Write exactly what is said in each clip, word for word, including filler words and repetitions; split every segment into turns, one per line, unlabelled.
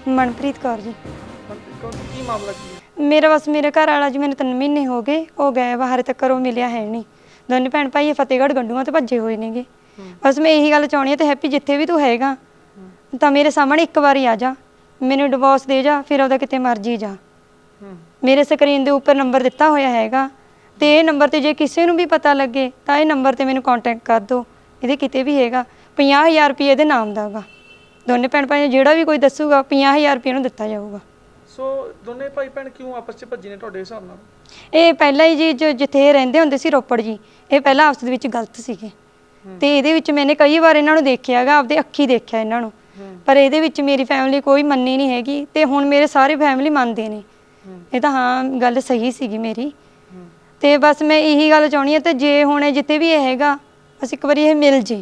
ਮਨਪ੍ਰੀਤ ਕੌਰ ਜੀ।
ਮਨਪ੍ਰੀਤ ਕੌਰ ਕੀ ਮਾਮਲਾ ਕੀ ਹੈ?
ਮੇਰਾ ਬਸ ਮੇਰੇ ਘਰ ਵਾਲਾ ਜੀ ਮੈਨੂੰ ਤਿੰਨ ਮਹੀਨੇ ਹੋ ਗਏ, ਉਹ ਗਏ ਬਾਹਰ ਤੱਕ ਉਹ ਮਿਲਿਆ ਹੈ ਨਹੀਂ। ਦੋਨੇ ਭੈਣ ਭਾਈ ਫਤਿਹਗੜ੍ਹ ਗੰਡੂਆਂ ਤੇ ਭੱਜੇ ਹੋਏ ਨੇਗੇ। ਬਸ ਮੈਂ ਇਹੀ ਗੱਲ ਚਾਹੁੰਦੀ ਹਾਂ ਤੇ ਹੈਪੀ ਜਿੱਥੇ ਵੀ ਤੂੰ ਹੈਗਾ ਤਾਂ ਮੇਰੇ ਸਾਹਮਣੇ ਇੱਕ ਵਾਰੀ ਆ ਜਾ, ਮੈਨੂੰ ਡਿਵੋਰਸ ਦੇ ਜਾ, ਫਿਰ ਉਹਦਾ ਕਿਤੇ ਮਰਜੀ ਜਾ। ਮੇਰੇ ਸਕਰੀਨ ਦੇ ਉੱਪਰ ਨੰਬਰ ਦਿੱਤਾ ਹੋਇਆ ਹੈਗਾ ਤੇ ਇਹ ਨੰਬਰ ਤੇ ਜੇ ਕਿਸੇ ਨੂੰ ਵੀ ਪਤਾ ਲੱਗੇ ਤਾਂ ਇਹ ਨੰਬਰ ਤੇ ਮੈਨੂੰ ਕੰਟੈਕਟ ਕਰ ਦਿਓ। ਇਹਦੇ ਕਿਤੇ ਵੀ ਹੈਗਾ ਪੰਜਾਹ ਹਜ਼ਾਰ ਰੁਪਏ ਇਹਦੇ ਨਾਮ ਦਾ ਹੈਗਾ। ਦੋਨੇ ਭੈਣ ਭਾਈ ਜਿਹੜਾ ਵੀ ਕੋਈ ਦੱਸੂਗਾ ਪੰਜਾਹ ਹਜ਼ਾਰ ਰੁਪਏ ਨੂੰ ਦਿੱਤਾ ਜਾਊਗਾ।
ਸੋ ਦੋਨੇ ਭਾਈ ਭੈਣ ਕਿਉਂ ਆਪਸ 'ਚ ਭੱਜੇ ਨੇ ਤੁਹਾਡੇ ਹਿਸਾਬ ਨਾਲ?
ਇਹ ਪਹਿਲਾਂ ਹੀ ਜੀ ਜੋ ਜਿੱਥੇ ਇਹ ਰਹਿੰਦੇ ਹੁੰਦੇ ਸੀ ਰੋਪੜ ਜੀ, ਇਹ ਪਹਿਲਾਂ ਆਪਸ ਦੇ ਵਿੱਚ ਗਲਤ ਸੀਗੇ ਤੇ ਇਹਦੇ ਵਿੱਚ ਮੈंने ਕਈ ਵਾਰ ਇਹਨਾਂ ਨੂੰ ਦੇਖਿਆ ਹੈਗਾ, ਆਪਦੇ ਅੱਖੀ ਦੇਖਿਆ ਇਹਨਾਂ ਨੂੰ, ਪਰ ਇਹਦੇ ਵਿੱਚ ਮੇਰੀ ਫੈਮਿਲੀ ਕੋਈ ਮੰਨੀ ਨਹੀਂ ਹੈਗੀ ਤੇ ਹੁਣ ਮੇਰੇ ਸਾਰੇ ਫੈਮਿਲੀ ਮੰਨਦੇ ਨੇ। ਇਹ ਤਾਂ ਹਾਂ ਗੱਲ ਸਹੀ ਸੀਗੀ ਮੇਰੀ ਤੇ ਬਸ ਮੈਂ ਇਹੀ ਗੱਲ ਚਾਹੁੰਦੀ ਹਾਂ ਤੇ ਜੇ ਹੁਣ ਜਿੱਥੇ ਵੀ ਇਹ ਹੈਗਾ ਬਸ ਇੱਕ ਵਾਰੀ ਇਹ ਮਿਲ ਜੇ,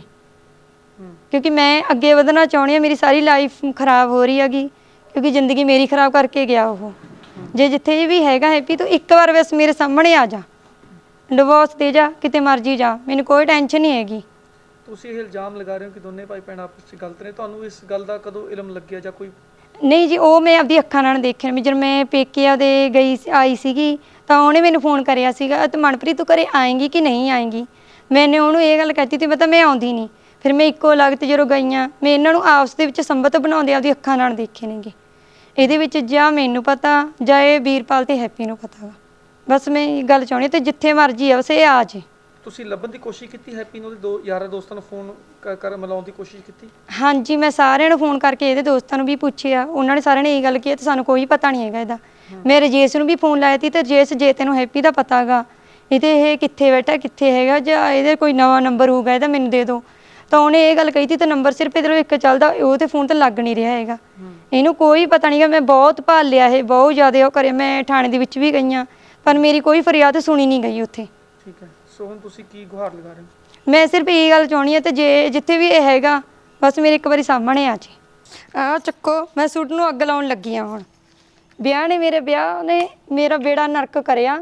ਕਿਉਂਕਿ ਮੈਂ ਅੱਗੇ ਵਧਣਾ ਚਾਹੁੰਦੀ ਹਾਂ। ਮੇਰੀ ਸਾਰੀ ਲਾਈਫ ਖਰਾਬ ਹੋ ਰਹੀ ਹੈਗੀ ਕਿਉਂਕਿ ਜ਼ਿੰਦਗੀ ਮੇਰੀ ਖਰਾਬ ਕਰਕੇ ਗਿਆ ਉਹ। ਜੇ ਜਿੱਥੇ ਵੀ ਹੈਗਾ ਹੈਪੀ ਤੂੰ ਇੱਕ ਵਾਰ ਬਸ ਮੇਰੇ ਸਾਹਮਣੇ ਆ ਜਾ, ਡਿਵੋਰਸ ਦੇ ਜਾ, ਕਿਤੇ ਮਰਜੀ ਜਾ, ਮੈਨੂੰ ਕੋਈ ਟੈਨਸ਼ਨ ਨਹੀਂ ਹੈਗੀ।
ਤੁਸੀਂ ਇਹ ਇਲਜ਼ਾਮ ਲਗਾ ਰਹੇ ਹੋ ਕਿ ਦੋਨੇ ਭਾਈ ਭੈਣ ਆਪਸ 'ਚ ਗਲਤ ਨੇ, ਤੁਹਾਨੂੰ ਇਸ ਗੱਲ ਦਾ ਕਦੋਂ ਇਲਮ ਲੱਗਿਆ ਜਾਂ ਕੋਈ?
ਨਹੀਂ ਜੀ, ਉਹ ਮੈਂ ਆਪਦੀ ਅੱਖਾਂ ਨਾਲ ਦੇਖਿਆ ਵੀ ਜਦੋਂ ਮੈਂ ਪੇਕਿਆਂ ਦੇ ਗਈ ਆਈ ਸੀਗੀ ਤਾਂ ਉਹਨੇ ਮੈਨੂੰ ਫੋਨ ਕਰਿਆ ਸੀਗਾ ਤੇ ਮਨਪ੍ਰੀਤ ਤੂੰ ਘਰੇ ਆਏਂਗੀ ਕਿ ਨਹੀਂ ਆਏਂਗੀ। ਮੈंने ਉਹਨੂੰ ਇਹ ਗੱਲ ਕਹਿਤੀ ਤੇ ਪਤਾ ਮੈਂ ਆਉਂਦੀ ਨਹੀਂ। ਫਿਰ ਮੈਂ ਇੱਕੋ ਲਗਤ ਜਦੋਂ ਗਈਆਂ ਮੈਂ ਇਹਨਾਂ ਨੂੰ ਆਪਸ ਦੇ ਵਿੱਚ ਸੰਬੰਧ ਬਣਾਉਂਦੇ ਆਪਦੀ ਅੱਖਾਂ ਨਾਲ ਦੇਖੇ ਨੇਗੇ। ਇਹਦੇ ਵਿੱਚ ਜਾਂ ਮੈਨੂੰ ਪਤਾ ਜਾਂ ਇਹ ਵੀਰਪਾਲ ਤੇ ਹੈਪੀ ਨੂੰ ਪਤਾ ਵਾ। ਬਸ ਮੈਂ ਇਹ ਗੱਲ ਚਾਹੁੰਦੀ ਤੇ ਜਿੱਥੇ ਮਰਜੀ ਆ ਬਸ ਇਹ ਆ ਜੇ।
ਤੁਸੀਂ ਲੱਭਣ ਦੀ ਕੋਸ਼ਿਸ਼ ਕੀਤੀ ਹੈਪੀ ਨੂੰ? ਉਹਦੇ ਦੋ ਯਾਰਾਂ ਦੋਸਤਾਂ ਨੂੰ ਫੋਨ ਕਰ ਮਿਲਾਉਣ ਦੀ ਕੋਸ਼ਿਸ਼ ਕੀਤੀ?
ਹਾਂਜੀ, ਮੈਂ ਸਾਰਿਆਂ ਨੂੰ ਫੋਨ ਕਰਕੇ ਇਹਦੇ ਦੋਸਤਾਂ ਨੂੰ ਵੀ ਪੁੱਛਿਆ, ਉਹਨਾਂ ਨੇ ਸਾਰਿਆਂ ਨੇ ਇਹ ਗੱਲ ਕੀਤੀ ਤੇ ਸਾਨੂੰ ਕੋਈ ਪਤਾ ਨਹੀਂ ਹੈਗਾ ਇਹਦਾ। ਮੈਂ ਰਜੇਸ਼ ਨੂੰ ਵੀ ਫੋਨ ਲਾਇਆ ਸੀ ਤੇ ਰਜੇਸ਼ ਜੇ ਤੈਨੂੰ ਹੈਪੀ ਦਾ ਪਤਾ ਹੈਗਾ ਇਹਦੇ ਇਹ ਕਿੱਥੇ ਬੈਠਾ ਕਿੱਥੇ ਹੈਗਾ ਜਾਂ ਇਹਦੇ ਕੋਈ ਨਵਾਂ ਨੰਬਰ ਹੋਊਗਾ ਇਹਦਾ ਮੈਨੂੰ ਦੇ ਦਿਓ, ਤਾਂ ਉਹਨੇ ਇਹ ਗੱਲ ਕਹੀ ਸੀ ਤੇ ਨੰਬਰ ਸਿਰਫ ਇਹਦੇ ਇੱਕ ਚੱਲਦਾ, ਉਹ ਤੇ ਫੋਨ ਤੇ ਲੱਗ ਨਹੀਂ ਰਿਹਾ ਹੈਗਾ। ਇਹਨੂੰ ਕੋਈ ਪਤਾ ਨਹੀਂ ਗਾ। ਮੈਂ ਬਹੁਤ ਭਾਲ ਲਿਆ ਇਹ, ਬਹੁਤ ਜ਼ਿਆਦਾ ਉਹ ਕਰਿਆ, ਮੈਂ ਥਾਣੇ ਦੇ ਵਿੱਚ ਵੀ ਗਈਆਂ ਪਰ ਮੇਰੀ ਕੋਈ ਫਰਿਆਦ ਸੁਣੀ ਨਹੀਂ ਗਈ ਉੱਥੇ।
ਠੀਕ ਹੈ, ਸੋ ਹੁਣ ਤੁਸੀਂ ਕੀ ਗੁਹਾਰ ਲਗਾ ਰਹੇ ਹੋ?
ਮੈਂ ਸਿਰਫ ਇਹ ਗੱਲ ਚਾਹੁੰਦੀ ਹਾਂ ਤੇ ਜੇ ਜਿੱਥੇ ਵੀ ਇਹ ਹੈਗਾ ਬਸ ਮੇਰੇ ਇੱਕ ਵਾਰੀ ਸਾਹਮਣੇ ਆ ਜੇ। ਆਹ ਚੱਕੋ, ਮੈਂ ਸੂਟ ਨੂੰ ਅੱਗ ਲਾਉਣ ਲੱਗੀ ਹਾਂ। ਹੁਣ ਵਿਆਹ ਨੇ ਮੇਰੇ ਵਿਆਹ ਨੇ ਮੇਰਾ ਬੇੜਾ ਨਰਕ ਕਰਿਆ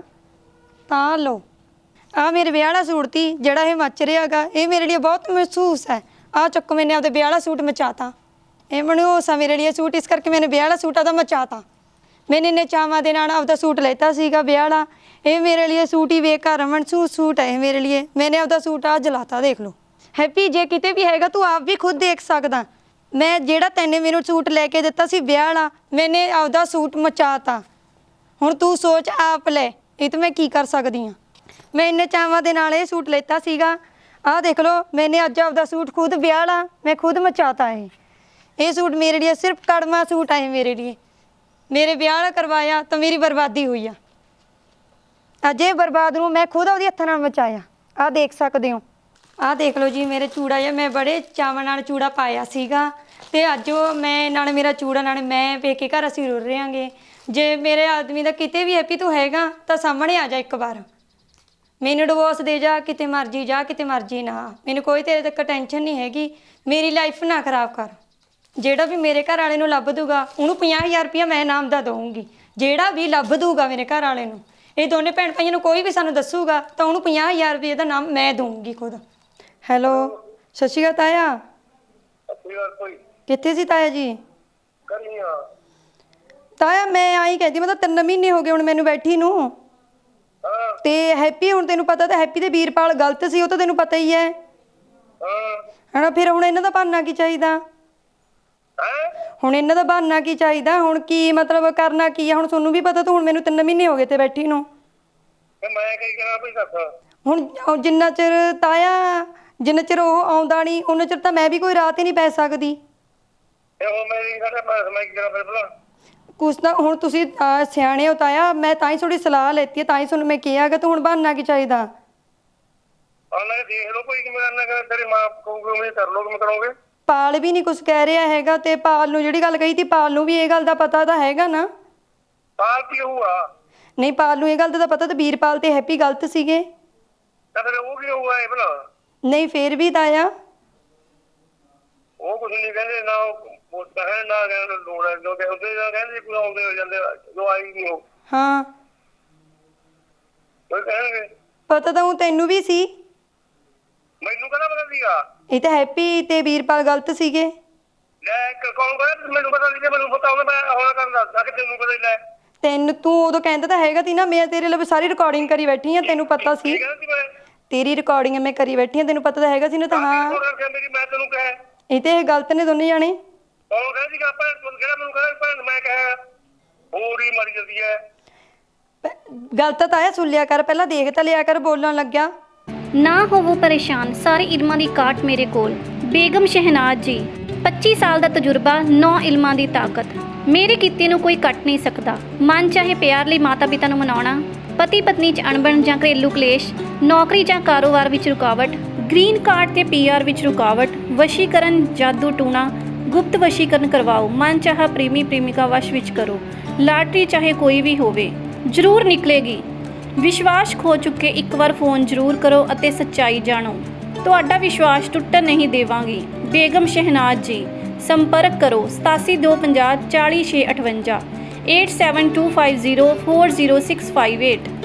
ਤਾਂ ਲਓ। ਆਹ ਮੇਰੇ ਵਿਆਹ ਵਾਲਾ ਸੂਟ ਤੀ ਜਿਹੜਾ ਇਹ ਮੱਚ ਰਿਹਾ ਹੈਗਾ, ਇਹ ਮੇਰੇ ਲਈ ਬਹੁਤ ਮਹਿਸੂਸ ਹੈ। ਆਹ ਚੱਕੋ, ਮੈंने ਆਪਦੇ ਵਿਆਹ ਵਾਲਾ ਸੂਟ ਮਚਾਤਾ। ਇਹ ਮਨਹੂਸ ਆ ਮੇਰੇ ਲਈ ਸੂਟ, ਇਸ ਕਰਕੇ मैंने ਵਿਆਹ ਵਾਲਾ ਸੂਟ ਆਦਾ ਮਚਾਤਾ। मैंने ਇੰਨੇ ਚਾਵਾਂ ਦੇ ਨਾਲ ਆਪਦਾ ਸੂਟ ਲੈਤਾ ਸੀਗਾ ਵਿਆਹ ਵਾਲਾ, ਇਹ ਮੇਰੇ ਲਈ ਸੂਟ ਹੀ ਬੇਕਾਰ ਮਨਸੂਸ ਸੂਟ ਹੈ ਇਹ ਮੇਰੇ ਲਈ। मैंने ਆਪਦਾ ਸੂਟ ਆ ਜਲਾਤਾ, ਦੇਖ ਲਓ। ਹੈਪੀ ਜੇ ਕਿਤੇ ਵੀ ਹੈਗਾ ਤੂੰ ਆਪ ਵੀ ਖੁਦ ਦੇਖ ਸਕਦਾ। ਮੈਂ ਜਿਹੜਾ ਤੈਨੇ ਮੈਨੂੰ ਸੂਟ ਲੈ ਕੇ ਦਿੱਤਾ ਸੀ ਵਿਆਹ ਵਾਲਾ, मैंने ਆਪਦਾ ਸੂਟ ਮਚਾਤਾ। ਹੁਣ ਤੂੰ ਸੋਚ ਆਪ ਲੈ, ਇਹ ਤਾਂ ਮੈਂ ਕੀ ਕਰ ਸਕਦੀ ਹਾਂ। ਮੈਂ ਇੰਨੇ ਚਾਵਾਂ ਦੇ ਨਾਲ ਇਹ ਸੂਟ ਲੈਤਾ ਸੀਗਾ, ਆਹ ਦੇਖ ਲਓ। मैंने ਅੱਜ ਆਪਦਾ ਸੂਟ ਖੁਦ ਵਿਆਹ ਵਾਲਾ ਮੈਂ ਖੁਦ ਮਚਾਤਾ। ਇਹ ਇਹ ਸੂਟ ਮੇਰੇ ਲਈ ਸਿਰਫ ਕੜਮਾ ਸੂਟ ਹੈ ਮੇਰੇ ਲਈ। ਮੇਰੇ ਵਿਆਹ ਵਾਲਾ ਕਰਵਾਇਆ ਤਾਂ ਮੇਰੀ ਬਰਬਾਦੀ ਹੋਈ ਆ। ਅੱਜ ਇਹ ਬਰਬਾਦ ਨੂੰ ਮੈਂ ਖੁਦ ਉਹਦੇ ਹੱਥਾਂ ਨਾਲ ਮਚਾਇਆ। ਆਹ ਦੇਖ ਸਕਦੇ ਹੋ, ਆਹ ਦੇਖ ਲਓ ਜੀ ਮੇਰੇ ਚੂੜਾ ਜਿਹਾ ਮੈਂ ਬੜੇ ਚਾਵਾਂ ਨਾਲ ਚੂੜਾ ਪਾਇਆ ਸੀਗਾ ਤੇ ਅੱਜ ਉਹ ਮੈਂ ਨਾਲ ਮੇਰਾ ਚੂੜਾ ਨਾਲ ਮੈਂ ਪੇਕੇ ਘਰ ਅਸੀਂ ਰੁੱਲ ਰਹਾਂਗੇ। ਜੇ ਮੇਰੇ ਆਦਮੀ ਦਾ ਕਿਤੇ ਵੀ ਹੈਪੀ ਤੂੰ ਹੈਗਾ ਤਾਂ ਸਾਹਮਣੇ ਆ ਜਾ ਇੱਕ ਵਾਰ, ਮੈਨੂੰ ਡਿਵੋਰਸ ਦੇ ਜਾ, ਕਿਤੇ ਮਰਜੀ ਜਾ, ਕਿਤੇ ਮਰਜੀ ਨਾ, ਮੈਨੂੰ ਕੋਈ ਤੇਰੇ ਤੱਕ ਟੈਨਸ਼ਨ ਨਹੀਂ ਹੈਗੀ। ਮੇਰੀ ਲਾਈਫ ਨਾ ਖਰਾਬ ਕਰ। ਜਿਹੜਾ ਵੀ ਮੇਰੇ ਘਰ ਵਾਲੇ ਨੂੰ ਲੱਭ ਦੂਗਾ ਉਹਨੂੰ ਪੰਜਾਹ ਹਜ਼ਾਰ ਰੁਪਇਆ ਮੈਂ ਇਨਾਮ ਦਾ ਦਊਂਗੀ। ਜਿਹੜਾ ਵੀ ਲੱਭ ਦੂਗਾ ਮੇਰੇ ਘਰ ਵਾਲੇ ਨੂੰ, ਇਹ ਦੋਨੇ ਭੈਣ ਭਾਈਆਂ ਨੂੰ ਕੋਈ ਵੀ ਸਾਨੂੰ ਦੱਸੂਗਾ ਤਾਂ ਉਹਨੂੰ ਪੰਜਾਹ ਹਜ਼ਾਰ ਰੁਪਏ ਦਾ ਨਾਮ ਮੈਂ ਦਊਂਗੀ ਖੁਦ। ਹੈਲੋ, ਸਤਿ ਸ਼੍ਰੀ ਅਕਾਲ ਤਾਇਆ। ਕਿੱਥੇ ਸੀ ਤਾਇਆ ਜੀ? ਤਾਇਆ ਮੈਂ ਆਈ ਕਹਿੰਦੀ, ਮਤਲਬ ਤਿੰਨ ਮਹੀਨੇ ਹੋ ਗਏ ਹੁਣ ਮੈਨੂੰ ਬੈਠੀ ਨੂੰ। ਤੇ ਹੈਪੀ ਹੁਣ ਤੈਨੂੰ ਪਤਾ ਤਾਂ ਹੈਪੀ ਤੇ ਵੀਰਪਾਲ ਗਲਤ ਸੀ, ਉਹ ਤਾਂ ਤੈਨੂੰ ਪਤਾ ਹੀ ਹੈ ਹਨਾ। ਫਿਰ ਹੁਣ ਇਹਨਾਂ ਦਾ ਬਹਾਨਾ ਕੀ ਚਾਹੀਦਾ? ਹੁਣ ਇਹਨਾਂ ਦਾ ਬਹਾਨਾ ਕੀ ਚਾਹੀਦਾ? ਹੁਣ ਕੀ ਮਤਲਬ ਕਰਨਾ ਕੀ ਆ? ਹੁਣ ਤੁਹਾਨੂੰ ਵੀ ਪਤਾ, ਤੂੰ ਹੁਣ ਮੈਨੂੰ ਤਿੰਨ ਮਹੀਨੇ ਹੋ ਗਏ ਤੇ ਬੈਠੀ ਨੂੰ। ਹੁਣ ਜਿੰਨਾ ਚਿਰ ਤਾਇਆ ਜਿੰਨਾ ਚਿਰ ਉਹ ਆਉਂਦਾ ਨਹੀਂ ਉਹਨਾਂ ਚਿਰ ਤਾਂ ਮੈਂ ਵੀ ਕੋਈ ਰਾਤ ਹੀ ਨਹੀਂ ਪੈ ਸਕਦੀ। ਕੁਛ ਤਾਂ ਹੁਣ ਤੁਸੀਂ ਸਿਆਣੇ ਹੋ ਤਾਇਆ, ਮੈਂ ਤਾਂ ਹੀ ਥੋੜੀ ਸਲਾਹ ਲੈਤੀ ਹੈ, ਤਾਂ ਹੀ ਤੁਹਾਨੂੰ ਮੈਂ ਕਿਹਾ ਗਾ। ਤੂੰ ਹੁਣ ਬਹਾਨਾ ਕੀ ਚਾਹੀਦਾ? ਪਾਲ ਵੀ ਨਹੀਂ ਕੁਛ ਕਹਿ ਰਿਹਾ ਹੈਗਾ ਤੇ ਪਾਲ ਨੂੰ ਜਿਹੜੀ ਗੱਲ ਕਹੀ ਤੀ ਪਾਲ ਨੂੰ ਵੀ ਇਹ ਗੱਲ ਦਾ ਪਤਾ ਤਾਂ ਹੈਗਾ ਨਾ।
ਪਾਲ ਕੀ ਹੋਊਗਾ?
ਨਹੀਂ, ਪਾਲ ਨੂੰ ਇਹ ਗੱਲ ਦਾ ਪਤਾ ਤਾਂ ਵੀਰਪਾਲ ਤੇ ਹੈਪੀ ਗਲਤ ਸੀਗੇ।
ਤਾਂ ਫਿਰ ਉਹ ਕੀ ਹੋਊਗਾ ਇਹ ਭਲਾ?
ਨਹੀਂ ਫੇਰ ਵੀ ਤਾਇਆ
ਉਹ ਕੁਛ ਨਹੀਂ ਕਹਿੰਦੇ ਨਾ, ਉਹ ਕਹਿਣ ਨਾ ਕਹਿੰਦੇ ਲੋੜ ਹੈ ਜੋ ਕਹਿੰਦੇ ਕਹਿੰਦੇ ਕੋਈ ਆਉਂਦੇ ਹੋ ਜਾਂਦੇ ਜੋ ਆਈ ਨਹੀਂ ਉਹ।
ਹਾਂ
ਕੋਈ ਕਹਿਣਗੇ
ਪਤਾ ਤਾਂ ਉਹ ਤੈਨੂੰ ਵੀ ਸੀ।
ਮੈਨੂੰ ਕਹਿੰਦਾ ਪਤਾ ਸੀਗਾ
ਇਹ ਤਾਂ ਹੈਪੀ ਤੇ ਵੀਰਪਾਲ ਗਲਤ ਸੀਗੇ।
ਲੈ ਕ- ਕੌਣ ਕਹਿੰਦਾ ਮੈਨੂੰ ਪਤਾ ਨਹੀਂ, ਮੈਨੂੰ ਪਤਾ ਹੋਵੇ ਮੈਂ ਹੁਣ ਕਰਨ ਦੱਸਦਾ ਕਿ ਤੈਨੂੰ ਪਤਾ ਹੀ ਲੈ
ਤੈਨੂੰ ਤੂੰ ਉਦੋਂ ਕਹਿੰਦਾ ਤਾਂ ਹੈਗਾ ਤੀ ਨਾ, ਮੈਂ ਤੇਰੇ ਲਈ ਸਾਰੀ ਰਿਕਾਰਡਿੰਗ ਕਰੀ ਬੈਠੀ ਆ, ਤੈਨੂੰ ਪਤਾ ਸੀ
ਕੀ ਕਹਿੰਦਾ ਸੀ ਮੈਂ
ਤੇਰੀ ਰਿਕਾਰਡਿੰਗ ਮੈਂ ਕਰੀ ਬੈਠੀ ਆ, ਤੈਨੂੰ ਪਤਾ ਤਾਂ ਹੈਗਾ ਸੀ ਨਾ। ਤਾਂ ਹਾਂ
ਕੌਣ ਕਰਕੇ ਮੇਰੀ ਮੈਂ ਤੈਨੂੰ ਕਹੇ
ਇਹ ਤੇ ਇਹ ਗਲਤ ਨੇ ਦੋਨੇ ਜਾਣੇ।
ਕੌਣ ਕਹਿੰਦਾ ਸੀਗਾ ਭੈਣ ਤੂੰ ਕਿਹੜਾ ਮੈਨੂੰ ਕਹਿੰਦਾ ਭੈਣ ਮੈਂ ਕਹਾਂ ਹੋਰ ਹੀ ਮਰ ਜਾਂਦੀ ਹੈ।
ਗਲਤ ਤਾਂ ਆਇਆ ਸੁਣ ਲਿਆ ਕਰ, ਪਹਿਲਾਂ ਦੇਖ ਤਾਂ ਲਿਆ ਕਰ ਬੋਲਣ ਲੱਗਿਆ।
ਨਾ ਹੋਵੋ ਪਰੇਸ਼ਾਨ, ਸਾਰੇ ਇਲਮਾਂ ਦੀ ਕਾਟ ਮੇਰੇ ਕੋਲ। ਬੇਗਮ ਸ਼ਹਿਨਾਜ਼ ਜੀ, ਪੱਚੀ ਸਾਲ ਦਾ ਤਜਰਬਾ, ਨੌ ਇਲਮਾਂ ਦੀ ਤਾਕਤ। ਮੇਰੇ ਕੀਤੇ ਨੂੰ ਕੋਈ ਕੱਟ ਨਹੀਂ ਸਕਦਾ। ਮਨ ਚਾਹੇ ਪਿਆਰ ਲਈ ਮਾਤਾ ਪਿਤਾ ਨੂੰ ਮਨਾਉਣਾ, ਪਤੀ ਪਤਨੀ 'ਚ ਅਣਬਣ ਜਾਂ ਘਰੇਲੂ ਕਲੇਸ਼, ਨੌਕਰੀ ਜਾਂ ਕਾਰੋਬਾਰ ਵਿੱਚ ਰੁਕਾਵਟ, ਗ੍ਰੀਨ ਕਾਰਡ ਤੇ ਪੀਆਰ ਵਿੱਚ ਰੁਕਾਵਟ, ਵਸ਼ੀਕਰਨ, ਜਾਦੂ ਟੂਣਾ, ਗੁਪਤ ਵਸ਼ੀਕਰਨ ਕਰਵਾਓ, ਮਨ ਚਾਹਾ ਪ੍ਰੇਮੀ ਪ੍ਰੇਮਿਕਾ ਵਸ਼ ਵਿੱਚ ਕਰੋ, ਲਾਟਰੀ ਚਾਹੇ ਕੋਈ ਵੀ ਹੋਵੇ ਜ਼ਰੂਰ ਨਿਕਲੇਗੀ। ਵਿਸ਼ਵਾਸ ਖੋ ਚੁੱਕੇ ਇੱਕ ਵਾਰ ਫੋਨ ਜ਼ਰੂਰ ਕਰੋ ਅਤੇ ਸੱਚਾਈ ਜਾਣੋ। ਤੁਹਾਡਾ ਵਿਸ਼ਵਾਸ ਟੁੱਟਣ ਨਹੀਂ ਦੇਵਾਂਗੀ। ਬੇਗਮ ਸ਼ਹਿਨਾਜ਼ ਜੀ, ਸੰਪਰਕ ਕਰੋ ਸਤਾਸੀ ਦੋ ਪੰਜਾਹ ਚਾਲੀ ਛੇ ਅਠਵੰਜਾ, eight seven two five zero four zero six five eight.